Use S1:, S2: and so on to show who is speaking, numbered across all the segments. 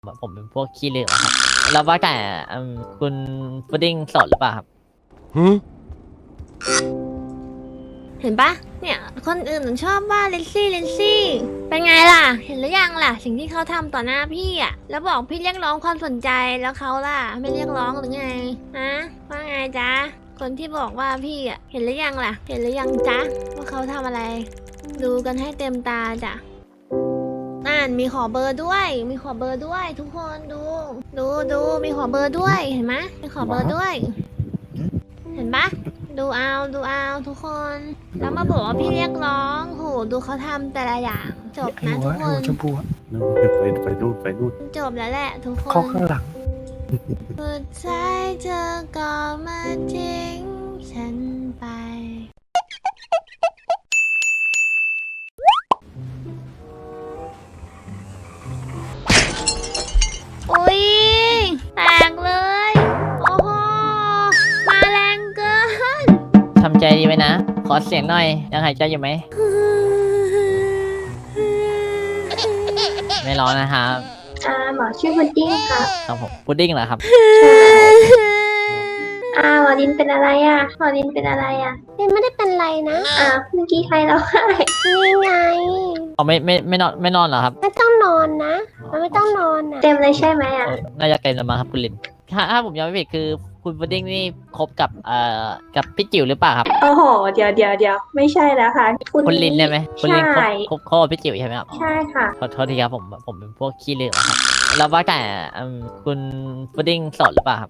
S1: ผมเป็นพวกขี้เหลวอะครับแล้วว่าแต่คุณพุดดิ้งโสดหรือเปล่าครับ
S2: เห็นปะเนี่ยคนอื่นชอบว่าลินซี่เป็นไงล่ะ เห็นหรือยังล่ะ สิ่งที่เขาทำต่อหน้าพี่อ่ะแล้วบอกพี่เรียกร้องความสนใจแล้วเขาล่ะไม่เรียกร้องหรือไงฮะว่าไงจ๊ะคนที่บอกว่าพี่อ่ะเห็นหรือยังล่ะ เห็นหรือยังจ๊ะว่าเขาทำอะไร ดูกันให้เต็มตาจ้ะนั่นมีขอเบอร์ด้วย มีขอเบอร์ด้วยทุกคนดูมีขอเบอร์ด้วยเห็นไหมมีขอเบอร์ด้วย เห็นปะดูเอาทุกคน แล้วมาบอกว่าพี่เรียกร้องโหดูเขาทำแต่ละอย่างจบนะทุกคน
S3: ชมพูอะไปนู่น
S2: จบแล้วแหละทุกคน
S3: เข้าข้างหลัง
S2: สุดท้ายเธอก็มาทิ้งฉันไปอุ๊ยแตกเลยโอ้โหมาแรงเกิน
S1: ทำใจดีไว้นะ ขอเสียงหน่อย ยังหายใจอยู่ไหม ไม่ร้อนนะครับ
S4: หมอชื่อพุดดิ้งค่ะ
S1: ครับผมพุดดิ้งเหรอครับ
S4: หมอดินเป็นอะไรหมอดินเป็นอะไรดินไม่ได้เป็นไรนะเมื่อกี้ใครร้องไห้นี่ไง
S1: อ๋อไม่นอนเหรอครับ
S4: ไม่ต้องนอนนะมันไม่ต้องนอนเต็มเลยใช่ไหม
S1: น่าจะเต็มแล้วมั้งครับคุณลินถ้าผมยังไม่ผิดคือคุณพุดดิ้งนี่คบกับกับพี่จิ๋วหรือเปล่าครับ
S4: โอ้โหเดี๋ยวไม่ใช่แล้วค่ะ
S1: คุณลินใช่ไหมคุณลินค
S4: ใช่
S1: บกับพี่จิ๋วใช่ไหมครับ
S4: ใช่ค่ะ
S1: ขอโทษทีครับผมเป็นพวกขี้เหลวอะครับแล้วว่าแต่คุณพุดดิ้งโสดหรือเปล่าครับ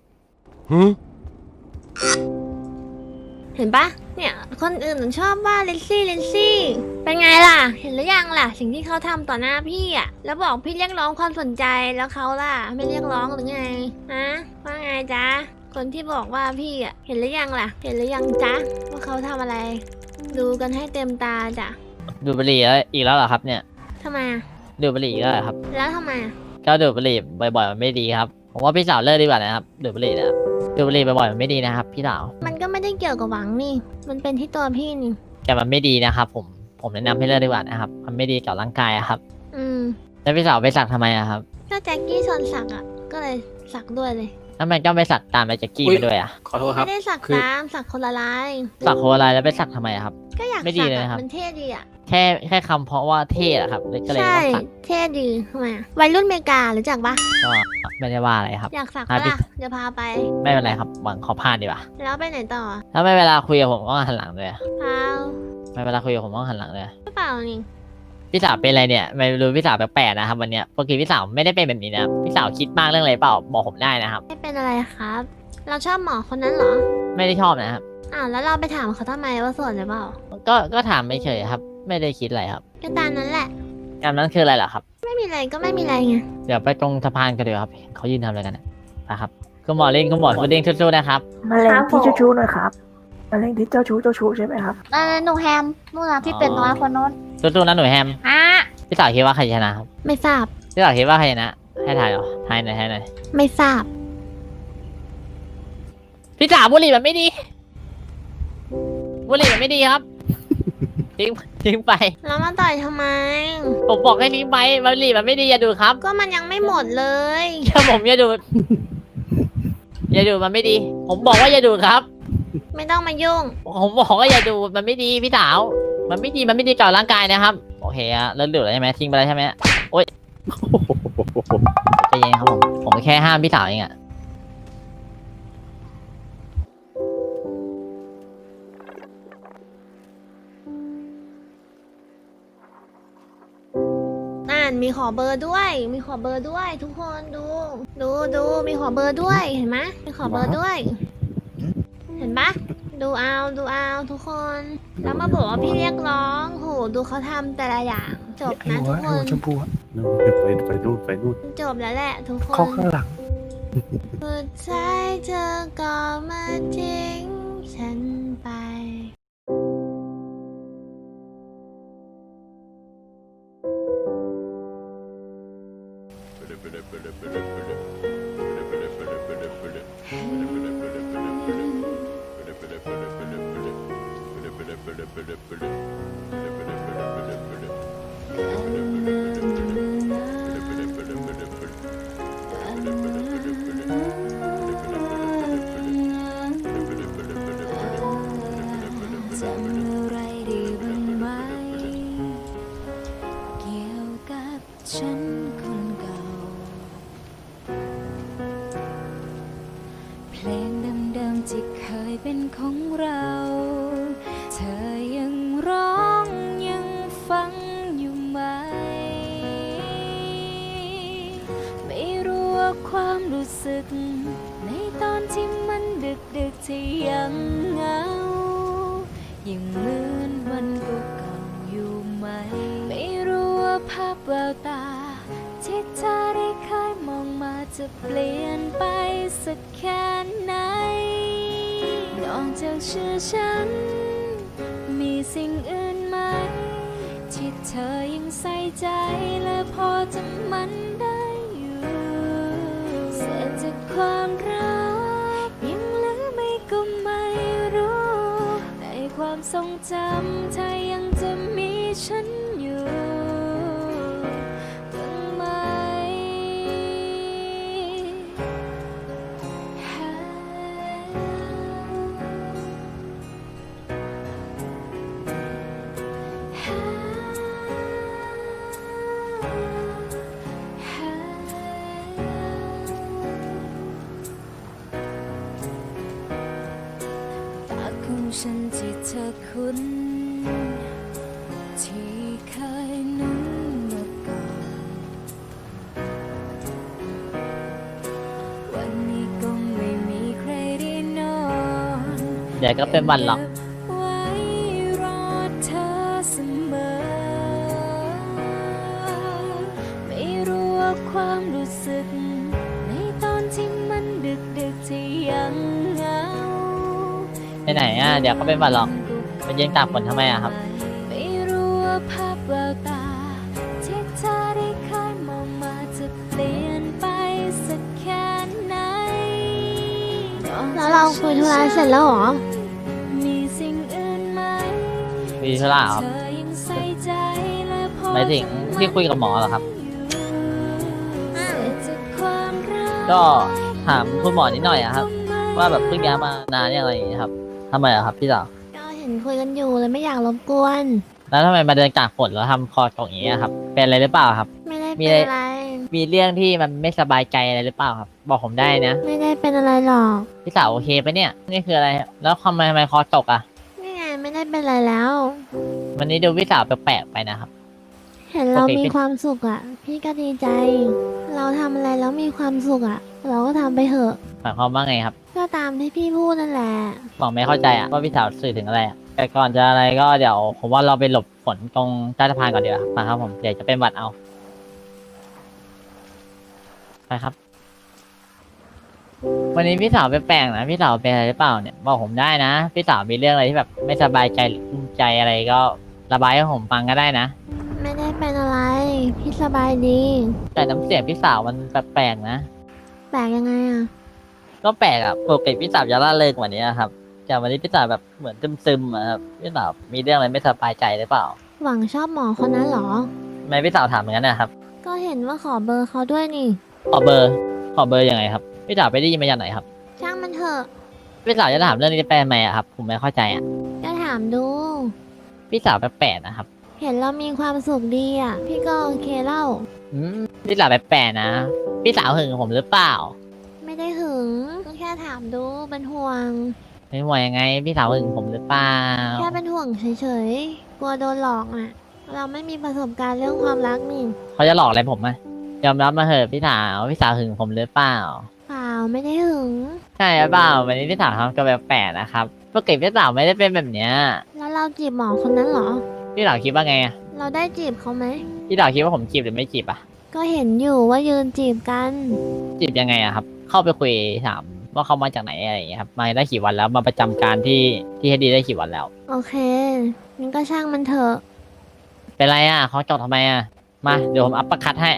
S2: เห็นปะเนี่ยคนอื่นชอบว่าลินซี่เป็นไงล่ะ เห็นหรือยังล่ะ สิ่งที่เขาทำต่อหน้าพี่อ่ะแล้วบอกพี่เรียกร้องความสนใจแล้วเขาล่ะไม่เรียกร้องหรือไงฮะว่าไงจ๊ะคนที่บอกว่าพี่อ่ะเห็นหรือยังล่ะ เห็นหรือยังจ๊ะว่าเขาทำอะไร ดูกันให้เต็มตาจ้ะ
S1: ดูดบุหรี่อีกแล้วเหรอครับเนี่ย
S2: ทำไมอะ
S1: ดูดบุหรี่อีกแล้วเหรอครับ
S2: แล้วทำไมอะ
S1: ก็ดูดบุหรี่บ่อยๆมันไม่ดีครับผมว่าพี่สาวเลิกดีกว่านะครับดูดบุหรี่นะครับดูดบุหรี่บ่อยๆมันไม่ดีนะครับพี่สาว
S2: มันก็ไม่ได้เกี่ยวกับหวังนี่ มันเป็นที่ตัวพี่นี่
S1: แต่มันไม่ดีนะครับผมแนะนำให้เลิกดีกว่านะครับมันไม่ดีกับร่างกายอะครับ
S2: อืม
S1: แล้วพี่สาวไปสักทำไมอะครับ
S2: ก็แจ็คกี้ชวนสักอ่ะก็เลยสักด้วยเลย
S1: แล้วมันก็ไปสักตามไปแจ็กกี้ไปด้วยอะ
S3: ขอโทษครั
S2: ไม่
S3: บ
S2: ได้สัก
S3: คือ
S2: ตามสักคนละลาย
S1: สักโคอะไรแล้วไปสักทำไมอะครับ
S2: ก็อยาก
S1: ไม่ดี
S2: สัก
S1: เลยนะครับ
S2: มันเท่ดีอ่ะ
S1: แค่คำเพราะว่าเท่อะครับก็เลย
S2: ใช่
S1: ต้องสัก
S2: เท่ดีทำไมอะวัยรุ่นเมการู้จักปะ
S1: ก็ไม่ได้ว่าอะไรครับ
S2: อยากสัก
S1: ครั
S2: ปะ
S1: บ
S2: ล่ะเดี๋ยวพาไป
S1: ไม่เป็นไรครับหวังขอผ่านดีกว่า
S2: แล้วไปไหนต่อ
S1: ถ้าไม่เวลาคุยกับผมก็หันหลังเลยอะ
S2: เปล่า
S1: ไม่เวลาคุยกับผมก็หันหลังเลย
S2: ไม่เปล่านี่
S1: พี่สาวเป็นอะไรเนี่ยไม่รู้พี่สาวแปลกๆนะครับวันเนี้ยปกติพี่สาวไม่ได้เป็นแบบนี้นะพี่สาวคิดมากเรื่องอะไรเปล่าบอกผมได้นะครับ
S2: ไม่เป็นอะไรครับ เราชอบหมอคนนั้นเหรอ
S1: ไม่ได้ชอบนะครับ
S2: อ้าวแล้วเราไปถามเขาทำไมว่าโสดหรือเปล่า
S1: ก็ถามไม่เฉยๆครับ ไม่ได้คิดอะไรครับ
S2: ก็ตามนั้นแหละ
S1: งานนั้นคืออะไรเหรอครับ
S2: ไม่มีอะไรก็ไม่มีอะไรไง
S1: เดี๋ยวไปตรงสะพานกันเดี๋ยวครับเขายืนทำอะไรกันนะครับคุณหมอเล่นคุณหมอพุดดิ้งสู้ๆนะครับ
S5: มะเร็งที่เจ้าชู้หน่อยครับมะเร็งที่เจ้าชู้ใช่ไหมครับ
S6: หนูแฮมนู่นนะที่เป็ดน้อยคนโน้น
S1: สู้ๆนะหนูแฮม
S6: อ่ะ
S1: พี่สาวคิดว่าใครชนะครับ
S2: ไม่ทราบ
S1: พี่สาวคิดว่าใครชนะให้ถ่ายเหรอถ่ายหน่อย
S2: ไม่ทราบ
S1: พี่สาวบุหรี่มันไม่ดีบุหรี่มันไม่ดีครับ ทิ้งไป
S2: แล้วมาต่อยทำไม
S1: ผมบอกให้ทิ้งไปบุหรี่มันไม่ดีอย่าดูดครับ
S2: ก็มันยังไม่หมดเลย
S1: แค่ผมอย่าดูดอย่าดูดมันไม่ดี ผมบอกว่าอย่าดูดครับ
S2: ไม่ต้องมายุ่ง
S1: ผมบอกว่าอย่าดูดมันไม่ดีพี่สาว มันไม่ดีต่อร่างกายนะครับโอเคอะเลิกดูดแล้วใช่ไหมทิ้งไปแล้วใช่ไหมโอ๊ยใจเย็นครับผมแค่ห้ามพี่สาวเองอะ
S2: นั่นมีขอเบอร์ด้วย มีขอเบอร์ด้วย ทุกคนดูมีขอเบอร์ด้วยเห็นไหมมีขอเบอร์ด้วย เห็นปะดูเอาทุกคน แล้วมาบอกว่าพี่เรียกร้องโหดูเขาทำแต่ละอย่างจบนะทุกคน
S3: ชมพูอะไปนู่น
S2: จบแล้วแหละทุกค
S3: เข้าน ข้างหลัง
S2: สุดท้ายเธอก็มาทิ้งฉันไป
S7: ที่เคยเป็นของเรา เธอยังร้องยังฟังอยู่ไหม ไม่รู้ว่าความรู้สึกในตอนที่มันดึกที่ยังเหงา ยังเหมือนวันเก่าๆอยู่ไหม ไม่รู้ว่าภาพแววตาที่เธอได้เคยมองมาจะเปลี่ยนไปสักแค่ไหน นอกจากชื่อฉัน มีสิ่งอื่นไหม ที่เธอยังใส่ใจและพอจำมันได้อยู่เศษจากความรักยังเหลือไม่ก็ไม่รู้ในความทรงจำเธอยังจะมีฉันอยู่บ้างไหม ตาของฉันที่เธอคุ้น ที่เคยนุ่นเมื่อก่อน วันนี้ก็ไม่มีใครได้นอน
S1: เดี๋ยวก็เป็นวันหรอก
S7: ไว้รอเธอเสมอ ไม่รู้ว่าความรู้สึกในตอนที่มันดึกที่ยังเหงา
S1: ไปไหนอ่ะเดี๋ยวก็เป็นวันหรอกไปยืนตากฝนทำไมอ่ะครับ
S7: ไม่รู้ว่าภาพแววตาที่เธอได้เคยมองมาจะเปลี่ยนไปสักแค่ไหน
S2: แล้วเราคุยธุระเสร็จแล้วเหรอ
S7: มีสิ่งอื่นไหม
S1: มีธุระครับ
S7: เธอยังใส่ใจและพอ
S1: หมายถึงที่คุยกับหมอเหรอครับ
S7: เศษจากความรัก
S1: ก็ถามคุณหมอนิดหน่อยอะครับ ว่าแบบเพิ่งย้ายมานานยังอะไรอย่างเงี้ยครับทำไมอะครับพี่สาว
S2: ก็เห็นคุยกันอยู่เลยไม่อยากรบกวน
S1: แล้วทำไมมาเดินตากฝนแล้วทำคอตกอย่างเงี้ยครับเป็นอะไรหรือเปล่าครับ
S2: ไม่ได้
S1: มี
S2: เป็น
S1: อะไร
S2: อะไร
S1: มีเรื่องที่มันไม่สบายใจอะไรหรือเปล่าครับ บอกผมได้นะ
S2: ไม่ได้เป็นอะไรหรอก
S1: พี่สาวโอเคปะเนี่ยนี่คืออะไรแล้วทำไมคอตกอะ
S2: นี่ไงไม่ได้เป็นอะไรแล้ว
S1: วันนี้ดูพี่สาวแปลกๆไปนะครับ
S2: เห็นเรา
S1: โอเค
S2: มีความสุขอ่ะ พี่ก็ดีใจ เราทำอะไรแล้วมีความสุขอ่ะ เราก็ทำไปเถอะ
S1: หมายความว่าไงครับ
S2: ก็ตามที่พี่พูดนั่นแหละ
S1: บอกไม่เข้าใจอะว่าพี่สาวสื่อถึงอะไรอะแต่ก่อนจะอะไรก็เดี๋ยวผมว่าเราไปหลบฝนตรงใต้สะพานก่อนดีกว่ามาครับผมเดี๋ยวจะเป็นหวัดเอาไปครับ วันนี้พี่สาวแปลกๆนะพี่สาวเป็นอะไรหรือเปล่าเนี่ยบอกผมได้นะพี่สาวมีเรื่องอะไรที่แบบไม่สบายใจหรือกุ้มใจอะไรก็ระบายให้ผมฟังก็ได้นะ
S2: ไม่ได้เป็นอะไร พี่สบายดี
S1: แต่น้ำเสียงพี่สาวมันแปลกๆนะ
S2: แปลกยังไงอ่ะ
S1: ก็แปลกอะปกติพี่สาวจะล่าเริงกว่านี้ครับแต่วันนี้พี่สาวแบบเหมือนซึมๆอะครับพี่สาวมีเรื่องอะไรไม่สบายใจหรือเปล่า
S2: หวังชอบหมอคนนั้นเหรอ
S1: ทำไมพี่สาวถามอย่างนั้นนะครับ
S2: ก็เห็นว่าขอเบอร์เขาด้วยนี่
S1: ขอเบอร์ยังไงครับพี่สาวไปได้ยินมาจากไหนครับ
S2: ช่างมันเถอะ
S1: พี่สาวจะถามเรื่องนี้ไปทำไมอะครับผมไม่เข้าใจอะ
S2: ก็ถามดู
S1: พี่สาวแปลกๆนะครับ
S2: เห็นเรามีความสุขดีอ่ะ พี่ก็โอเคเล่า
S1: พี่สาวแปลกๆนะพี่สาวหึงผมหรือเปล่า
S2: ไม่ได้หึงก็แค่ถามดูเป็นห่วง
S1: ไม่ห่วงยังไงพี่สาวหึงผมหรือเปล่า
S2: แค่เป็นห่วงเฉยๆ กลัวโดนหลอกอ่ะ เราไม่มีประสบการณ์เรื่องความรักนี่
S1: เขาจะหลอกอะไรผมอะยอมรับมาเถอะพี่สาวหึงผมหรือเปล่า
S2: เปล่าไม่ได้หึง
S1: ใช่หรือเปล่าวันนี้พี่สาวทำตัวแปลกๆนะครับปกติพี่สาวไม่ได้เป็นแบบเนี้ย
S2: แล้วเราจีบหมอคนนั้นเหรอ
S1: พี่สาวคิดว่าไงอะ
S2: เราได้จีบเขาไหม
S1: พี่สาวคิดว่าผมจีบหรือไม่จีบอะ
S2: ก็เห็นอยู่ว่ายืนจีบกัน
S1: จีบยังไงอะครับ เข้าไปคุยถามว่าเขามาจากไหนอะไรอย่างเงี้ยครับมาได้กี่วันแล้วมาประจำการที่เฮดดีได้กี่วันแล้ว
S2: โอเคงั้นก็ช่างมันเถอะ
S1: เป็นไรอะเขาจบทำไมอะมาเดี๋ยวผมอัปเปอร์คัทให้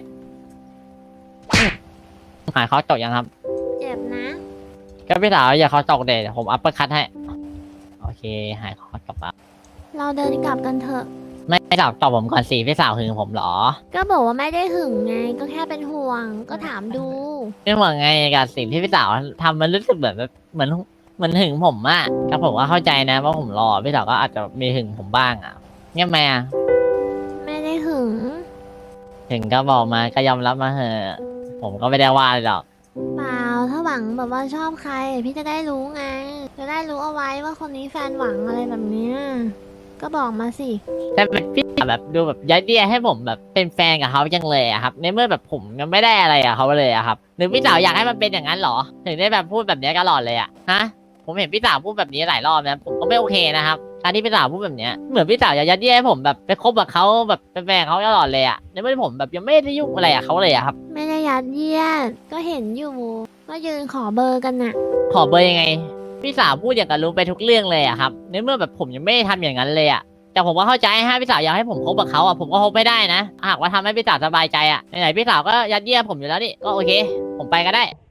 S1: หายเขาจบยังครับ
S2: เจ็บนะ
S1: ก็พี่สาวอย่าเขาจกเดี๋ยวผมอัปเปอร์คัทให้ โอเค หายเขาจบแล้ว
S2: เราเดินกลับกันเถอะ
S1: ไม่สาวตอบผมก่อนสิพี่สาวหึงผมเหรอ
S2: ก็บอกว่าไม่ได้หึงไง ก็แค่เป็นห่วง ก็ถามดู
S1: ไม่ว่าไงกับสิ่งที่พี่สาวทำมันรู้สึกแบบเหมือนหึงผมอะก็ผมก็เข้าใจนะว่าผมรอพี่สาวก็อาจจะมีหึงผมบ้างอะเงี้ยไหมอะ
S2: ไม่ได้หึง
S1: ถึงก็บอกมาก็ยอมรับมาเถอะผมก็ไม่ได้ว่าเลยหรอก
S2: เปล่า ถ้าหวังแบบว่าชอบใคร พี่จะได้รู้ไงจะได้รู้เอาไว้ว่าคนนี้แฟนหวังอะไรแบบเนี้ยก็บอกมาสิ
S1: แต่แบบพี่สาวแบบดูแบบยัดเยียดให้ผมแบบเป็นแฟนกับเขาจังเลยอะครับในเมื่อแบบผมยังไม่ได้อะไรกับเขาเลยอะครับหรือพี่สาวอยากให้มันเป็นอย่างนั้นเหรอถึงได้แบบพูดแบบนี้ตลอดเลยอะฮะผมเห็นพี่สาวพูดแบบนี้หลายรอบนะผมก็ไม่โอเคนะครับการที่พี่สาวพูดแบบเนี้ยเหมือนพี่สาวอยากยัดเยียดให้ผมแบบไปคบกับเขาแบบเป็นแฟนเขาตลอดเลยอะในเมื่อผมแบบยังไม่ได้ยุ่งอะไรกับเขาเลยอะครับ
S2: ไม่ได้ยัดเยียดก็เห็นอยู่ก็ยืนขอเบอร์กันน่ะ
S1: ขอเบอร์ยังไงพี่สาวพูดอย่างกับรู้ไปทุกเรื่องเลยอะครับในเมื่อแบบผมยังไม่ได้ทำอย่างนั้นเลยอะแต่ผมก็เข้าใจฮะพี่สาวอยากให้ผมคบกับเขาอะผมก็คบไม่ได้นะหากว่าทำให้พี่สาวสบายใจอะไหนๆพี่สาวก็ยัดเยียดผมอยู่แล้วนี่ก็โอเค ผมไปก็ได้